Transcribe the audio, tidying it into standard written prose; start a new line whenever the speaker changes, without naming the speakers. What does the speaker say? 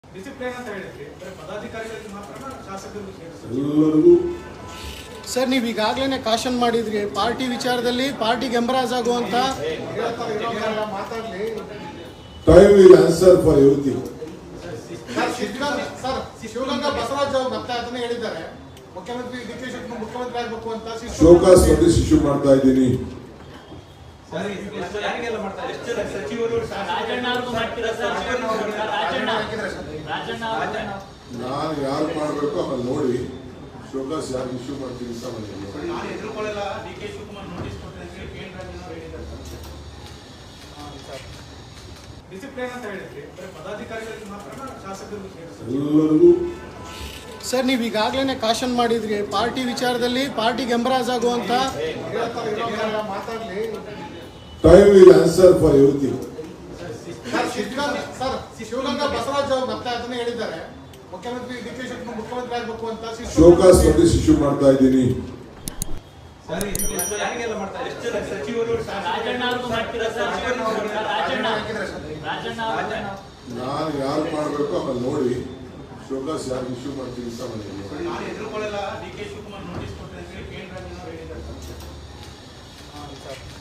Discipline ಅಂತ ಹೇಳಿದ್ರಿ, ಪದಾಧಿಕಾರಿಗಳಿಗೆ ಮಾತ್ರ ಶಾಸಕರು
ಎಲ್ಲರಿಗೂ
ಸರ್ ನೀವು ಈಗಾಗಲೇ ಕಾಶನ್ ಮಾಡಿದ್ರಿ ಪಾರ್ಟಿ ವಿಚಾರದಲ್ಲಿ ಪಾರ್ಟಿಗೆ ಎಂಬರಾಜ್ ಆಗುವಂತ
time will answer for everything.
Sir Shivaganga Basavaraj ಅವರು ಮತ್ತೆ ಅದನ್ನೇ ಹೇಳಿದ್ದಾರೆ, ಮುಖ್ಯಮಂತ್ರಿ ಡಿ ಕೆ ಶಿವಕುಮಾರ್ ಮುಖ್ಯಮಂತ್ರಿ ಆಗಬೇಕು ಅಂತ
ಶೋಕಾಸ್ ನೋಟಿಸ್ ಇಶ್ಯೂ ಮಾಡ್ತಾ ಇದ್ದೀನಿ. ನಾನು ಯಾರು ಮಾಡಬೇಕು ಆಮೇಲೆ ನೋಡಿ ಶೋಕಾಸ್ ಯಾರು ಇಶ್ಯೂ ಮಾಡ್ತೀನಿ ಅಂತ
ಡಿಸಿಪ್ಲಿನ್ ಅಂತ ಹೇಳಿದ್ರಿ, ಪದಾಧಿಕಾರಿಗಳಿಗೆ ಮಾತ್ರ ಶಾಸಕರು
ಎಲ್ಲರಿಗೂ
ಸರ್ ನೀವು ಈಗಾಗಲೇ ಕಾಶನ್ ಮಾಡಿದ್ರಿ ಪಾರ್ಟಿ ವಿಚಾರದಲ್ಲಿ ಪಾರ್ಟಿಗೆ ಎಂಬರಾಜ್ ಆಗುವಂತ
time will answer for everything.
Sir Shivaganga Basavaraj ಅವರು ಮತ್ತೆ ಅದನ್ನೇ ಹೇಳಿದ್ದಾರೆ, ಮುಖ್ಯಮಂತ್ರಿ ಡಿ ಕೆ ಶಿವಕುಮಾರ್ ಮುಖ್ಯಮಂತ್ರಿ ಆಗಬೇಕು ಅಂತ
ಶೋಕಾಸ್ ನೋಟಿಸ್ ಇಶ್ಯೂ ಮಾಡ್ತಾ ಇದ್ದೀನಿ. ನಾನು ಯಾರು ಮಾಡಬೇಕು ಆಮೇಲೆ ನೋಡಿ ಶೋಕಾಸ್ ಯಾರು ಇಶ್ಯೂ ಮಾಡ್ತೀನಿ ಅಂತ